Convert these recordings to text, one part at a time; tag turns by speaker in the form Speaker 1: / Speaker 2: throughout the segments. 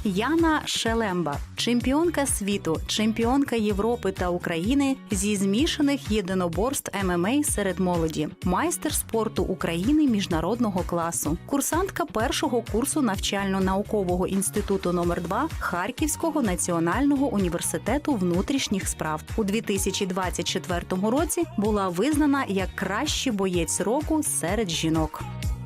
Speaker 1: Яна Шелемба – чемпіонка світу, чемпіонка Європи та України зі змішаних єдиноборств ММА серед молоді, майстер спорту України міжнародного класу, курсантка першого курсу навчально-наукового інституту номер 2 Харківського національного університету внутрішніх справ. У 2024 році була визнана як кращий боєць року серед жінок.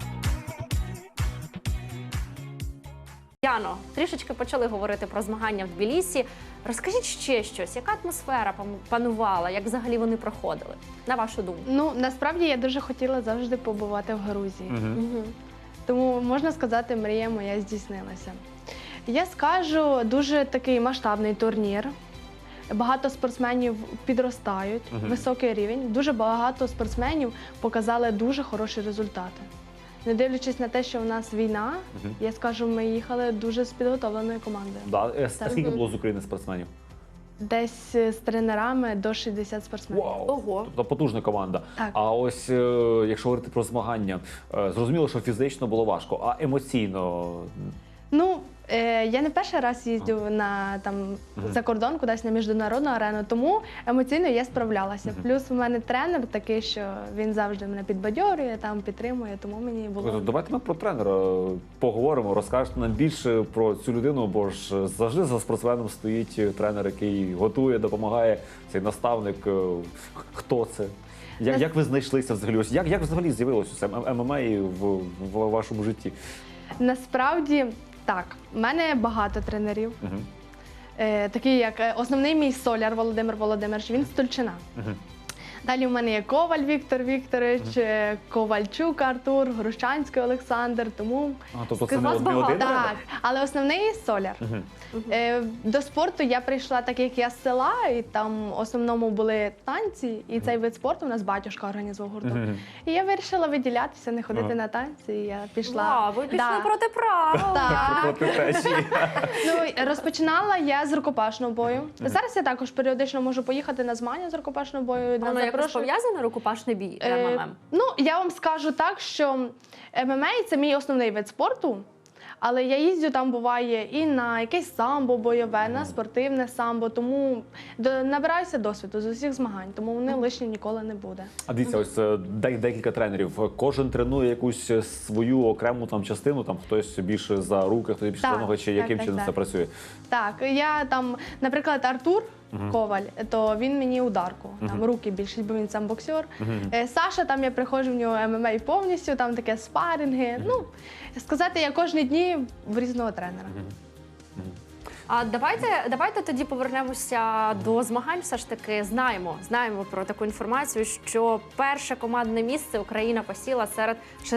Speaker 2: Яно, трішечки почали говорити про змагання в Тбілісі. Розкажіть ще щось, яка атмосфера панувала, як взагалі вони проходили, на вашу думку?
Speaker 3: Ну, насправді я дуже хотіла завжди побувати в Грузії. Тому, можна сказати, мрія моя здійснилася. Я скажу, дуже такий масштабний турнір. Багато спортсменів підростають, високий рівень. Дуже багато спортсменів показали дуже хороші результати. Не дивлячись на те, що в нас війна, я скажу, ми їхали дуже з підготовленою командою.
Speaker 4: Да. Скільки було з України спортсменів?
Speaker 3: Десь з тренерами до 60 спортсменів.
Speaker 4: Вау!
Speaker 2: Ого!
Speaker 4: Тобто потужна команда.
Speaker 3: Так.
Speaker 4: А ось, якщо говорити про змагання, зрозуміло, що фізично було важко, а емоційно?
Speaker 3: Ну, я не перший раз їздю за кордон, кудись на міжнародну арену, тому емоційно я справлялася. Плюс у мене тренер такий, що він завжди мене підбадьорює, підтримує, тому мені було...
Speaker 4: Давайте ми про тренера поговоримо, розкажете нам більше про цю людину, бо ж завжди за спортсменом стоїть тренер, який готує, допомагає, цей наставник. Хто це? Як ви знайшлися взагалі? Як взагалі з'явилося ММА в вашому житті?
Speaker 3: Насправді, так, в мене багато тренерів. Такі як основний мій Соляр Володимир Володимирович, він з Тульчина. Далі в мене є Коваль Віктор Вікторович, Ковальчук Артур, Грущанський Олександр, тому...
Speaker 4: Тобто це не один?
Speaker 3: Так, але основний Соляр. До спорту я прийшла, так як я з села, і там в основному були танці, і цей вид спорту у нас батюшка організував гурток. І я вирішила виділятися, не ходити на танці, і я пішла.
Speaker 2: Вау, ви пішли проти правил!
Speaker 3: Так.
Speaker 4: Проти течії.
Speaker 3: Ну, розпочинала я з рукопашного бою. Зараз я також періодично можу поїхати на змагання з рукопашного бою.
Speaker 2: Воно якось пов'язане, рукопашний бій ММА?
Speaker 3: Ну, я вам скажу так, що ММА – це мій основний вид спорту, але я їздю там, буває, і на якесь самбо бойове, на спортивне самбо, тому набираюся досвіду з усіх змагань, тому вони лишні ніколи не буде.
Speaker 4: А дивіться, ось декілька тренерів. Кожен тренує якусь свою окрему частину, хтось більше за руки, хтось більше за ноги, чи яким чином це працює?
Speaker 3: Так, я наприклад, Артур Коваль, то він мені ударку, руки більше, бо він сам боксер. Саша, я приходжу в нього ММА повністю, там таке спаринги. Ну, сказати, я кожні дні в різного тренера.
Speaker 2: А давайте тоді повернемося до змагань. Все ж таки знаємо про таку інформацію, що перше командне місце Україна посіла серед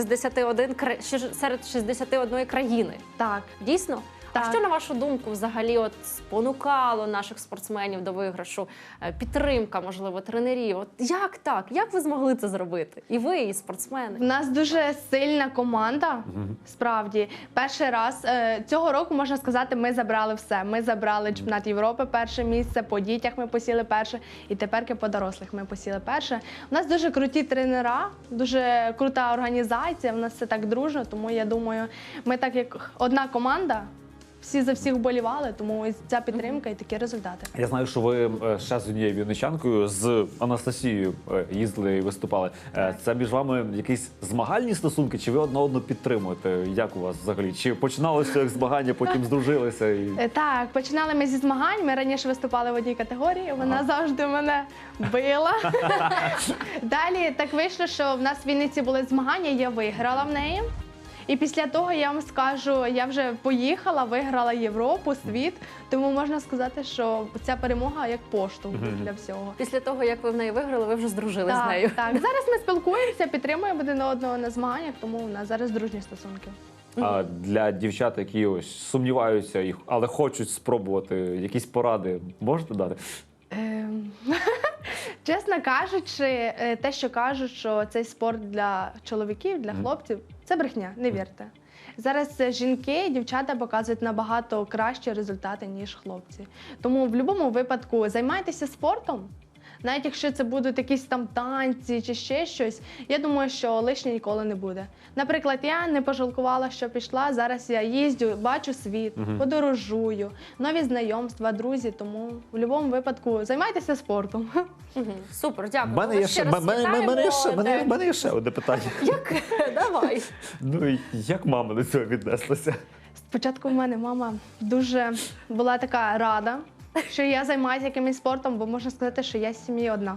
Speaker 2: 61 країни.
Speaker 3: Так.
Speaker 2: Дійсно?
Speaker 3: Так.
Speaker 2: А що, на вашу думку, взагалі спонукало наших спортсменів до виграшу? Підтримка, можливо, тренерів? Як так? Як ви змогли це зробити? І ви, і спортсмени?
Speaker 3: У нас дуже сильна команда, справді. Перший раз цього року, можна сказати, ми забрали все. Ми забрали чемпіонат Європи перше місце, по дітях ми посіли перше, і тепер по дорослих ми посіли перше. У нас дуже круті тренера, дуже крута організація, у нас все так дружно, тому я думаю, ми так як одна команда, всі за всіх вболівали, тому ось ця підтримка і такі результати.
Speaker 4: Я знаю, що ви ще з однією вінничанкою, з Анастасією їздили і виступали. Це між вами якісь змагальні стосунки, чи ви одна одну підтримуєте? Як у вас взагалі? Чи починалося як змагання, потім здружилися?
Speaker 3: Так, починали ми зі змагань, ми раніше виступали в одній категорії, вона завжди мене била. Далі так вийшло, що в нас в Вінниці були змагання, я виграла в неї. І після того, я вам скажу, я вже поїхала, виграла Європу, світ, тому можна сказати, що ця перемога як поштовх для всього.
Speaker 2: Після того, як ви в неї виграли, ви вже здружились з нею.
Speaker 3: Так, зараз ми спілкуємося, підтримуємо один одного на змаганнях, тому у нас зараз дружні стосунки.
Speaker 4: А для дівчат, які ось сумніваються, але хочуть спробувати, якісь поради можете дати?
Speaker 3: Чесно кажучи, те, що кажуть, що цей спорт для чоловіків, для хлопців, це брехня, не вірте. Зараз жінки, дівчата показують набагато кращі результати, ніж хлопці. Тому в будь-якому випадку займайтеся спортом, Навіть якщо це будуть якісь там танці чи ще щось, я думаю, що лишнє ніколи не буде. Наприклад, я не пожалкувала, що пішла. Зараз я їздю, бачу світ, подорожую, нові знайомства, друзі. Тому в будь-якому випадку займайтеся спортом.
Speaker 2: Супер, дякую.
Speaker 4: У мене є ще в мене є ще одне питання.
Speaker 2: Як? Давай.
Speaker 4: Ну і як мама до цього віднеслася?
Speaker 3: Спочатку в мене мама дуже була така рада, що я займаюся якимось спортом, бо можна сказати, що я з сім'ї одна.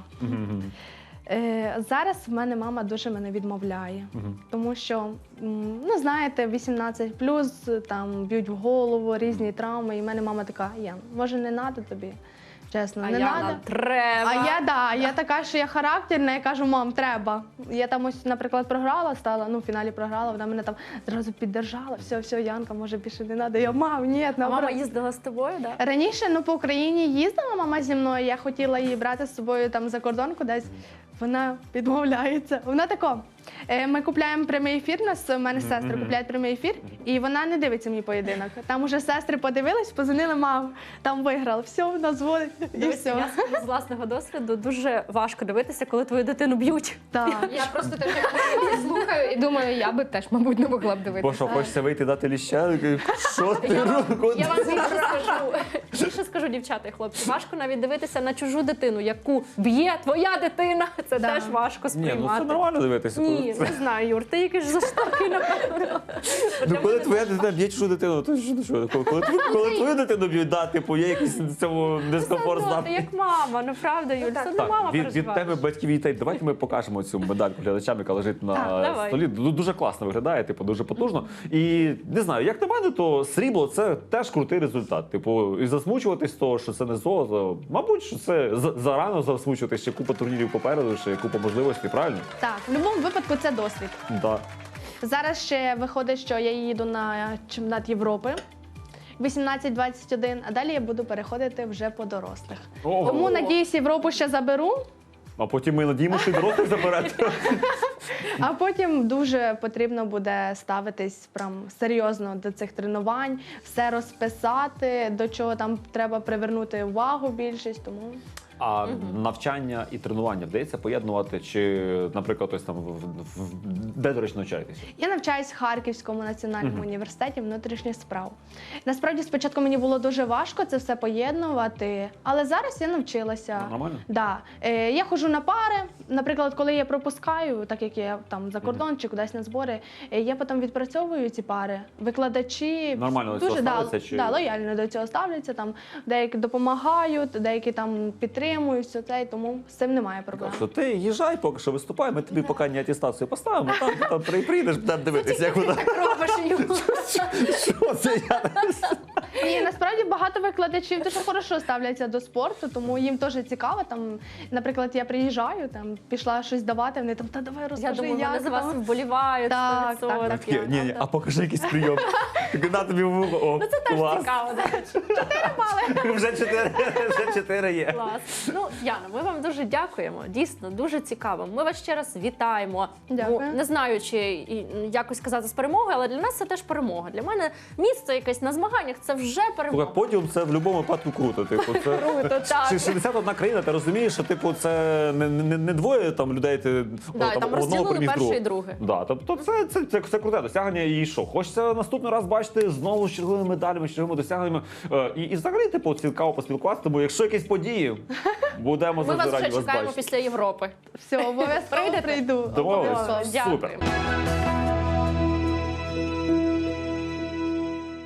Speaker 3: Зараз в мене мама дуже мене відмовляє, тому що, ну знаєте, 18+, там б'ють в голову, різні травми, і в мене мама така: Ян, може не треба тобі? Чесно,
Speaker 2: А
Speaker 3: не
Speaker 2: Яна,
Speaker 3: треба.
Speaker 2: треба.
Speaker 3: Я така, що я характерна, я кажу: мам, треба. Я там ось, наприклад, програла, в фіналі програла, вона мене там зразу піддержала. Все, Янка, може більше не треба. Я: мам, ні,
Speaker 2: А мама їздила з тобою, так? Да?
Speaker 3: Раніше, по Україні їздила мама зі мною, я хотіла її брати з собою там за кордон кудись. Вона відмовляється. Вона тако: ми купляємо прямий ефір, у мене сестри купляють прямий ефір, і вона не дивиться мій поєдинок. Там уже сестри подивились, позвонили: мам, там виграв, все, вона дзвонить, і
Speaker 2: Дивіться,
Speaker 3: все.
Speaker 2: я скажу з власного досвіду, дуже важко дивитися, коли твою дитину б'ють.
Speaker 3: Так.
Speaker 5: Я просто теж слухаю і думаю, я би теж, мабуть, не могла б
Speaker 4: Бо
Speaker 5: дивитися.
Speaker 4: що, хочеться вийти дати ліща? Що ти робиш?
Speaker 2: Я вам більше скажу, дівчата і хлопці, важко навіть дивитися на чужу дитину, яку б'є твоя дитина. Це
Speaker 3: Да.
Speaker 2: теж важко
Speaker 4: Ні, ну
Speaker 2: сприймати.
Speaker 4: це нормально дивитися.
Speaker 2: Ні, не знаю, Юр, ти якийсь жорстокий, напевно.
Speaker 4: Ну, коли твоя дитина б'є чужу дитину, то що? Коли твою дитину б'ють, да, типу, є якийсь в цьому дискомфорт
Speaker 2: Ти
Speaker 4: знати.
Speaker 2: як мама, ну правда, Юль, це не мама
Speaker 4: від
Speaker 2: переживає.
Speaker 4: тебе батьків і дітей. Давайте ми покажемо цю медальку глядачам, яка лежить на
Speaker 2: давай.
Speaker 4: столі. Дуже класно виглядає, типу, дуже потужно. І не знаю, як на мене, то срібло це теж крутий результат. Типу, і засмучуватись того, що це не золото. Мабуть, що це зарано засмучуватись, ще купа турнірів попереду, ще купа можливостей, правильно?
Speaker 3: Так, в будь-якому випадку це досвід.
Speaker 4: Да.
Speaker 3: Зараз ще виходить, що я їду на чемпіонат Європи 18-21, а далі я буду переходити вже по дорослих.
Speaker 4: Ого.
Speaker 3: Тому, надіюсь, Європу ще заберу,
Speaker 4: А потім ми надіємося, що й дорослих заберете.
Speaker 3: а потім дуже потрібно буде ставитись прям серйозно до цих тренувань, все розписати, до чого там треба привернути увагу більшість, тому...
Speaker 4: А навчання і тренування вдається поєднувати? Чи, наприклад, ось там де, до речі, навчаєтеся?
Speaker 3: Я навчаюсь в Харківському національному університеті внутрішніх справ. Насправді, спочатку мені було дуже важко це все поєднувати, але зараз я навчилася.
Speaker 4: Нормально?
Speaker 3: Да. Я ходжу на пари. Наприклад, коли я пропускаю, так як я там за кордон чи кудись на збори, я потім відпрацьовую ці пари. Викладачі
Speaker 4: Нормально до цього
Speaker 3: дуже
Speaker 4: ставляться, чи-
Speaker 3: лояльно до цього ставляться. Там деякі допомагають, деякі там підтримують все це, і тому з цим немає проблем.
Speaker 4: Що ти їжджай, поки що виступай, ми тобі поки не атестацію поставимо, там прийдеш, будемо дивитися, як вона.
Speaker 2: Так робиш, Юр.
Speaker 4: Що це я?
Speaker 3: Ні, насправді багато викладачів дуже хорошо ставляться до спорту, тому їм теж цікаво. Там, наприклад, я приїжджаю, там пішла щось давати, вони там: та давай
Speaker 2: Я
Speaker 3: розкажи,
Speaker 2: думаю,
Speaker 3: як
Speaker 2: вони за вас
Speaker 3: там».
Speaker 2: вболівають.
Speaker 3: Так,
Speaker 2: 100%.
Speaker 3: так,
Speaker 2: Я-
Speaker 4: Ні, а покажи якийсь прийом. На тобі в вухо. О,
Speaker 2: Ну це теж
Speaker 4: клас.
Speaker 2: цікаво, до речі.
Speaker 4: Вже 4 є.
Speaker 2: Клас. Ну, Яна, ми вам дуже дякуємо. Дійсно, дуже цікаво. Ми вас ще раз вітаємо.
Speaker 3: Дякую.
Speaker 2: Ну, не знаю, чи якось сказати з перемогою, але для нас це теж перемога. Для мене місце якесь на змаганнях це вже перемога.
Speaker 4: Подіум це в будь-якому випадку круто. Типу, це
Speaker 2: Круто, так.
Speaker 4: 61 країна, ти розумієш, що типу це не двоє там людей, ти
Speaker 2: Да, і там розділили
Speaker 4: переміг
Speaker 2: перше
Speaker 4: другого.
Speaker 2: і друге.
Speaker 4: Да, тобто це круте досягнення. І що? Хочеться наступний раз бачити знову з черговими медалями, з черговими досягненнями. І взагалі, типу, цікаво поспілкуватися, тому якщо якісь події, будемо
Speaker 2: Ми вас
Speaker 4: завжди
Speaker 2: вже
Speaker 4: раді вас
Speaker 2: чекаємо
Speaker 4: бачити.
Speaker 2: після Європи.
Speaker 3: Все, обов'язково
Speaker 2: Прийдете?
Speaker 3: прийду.
Speaker 4: Домовились?
Speaker 3: Обов'язково.
Speaker 2: Дякую.
Speaker 4: Супер.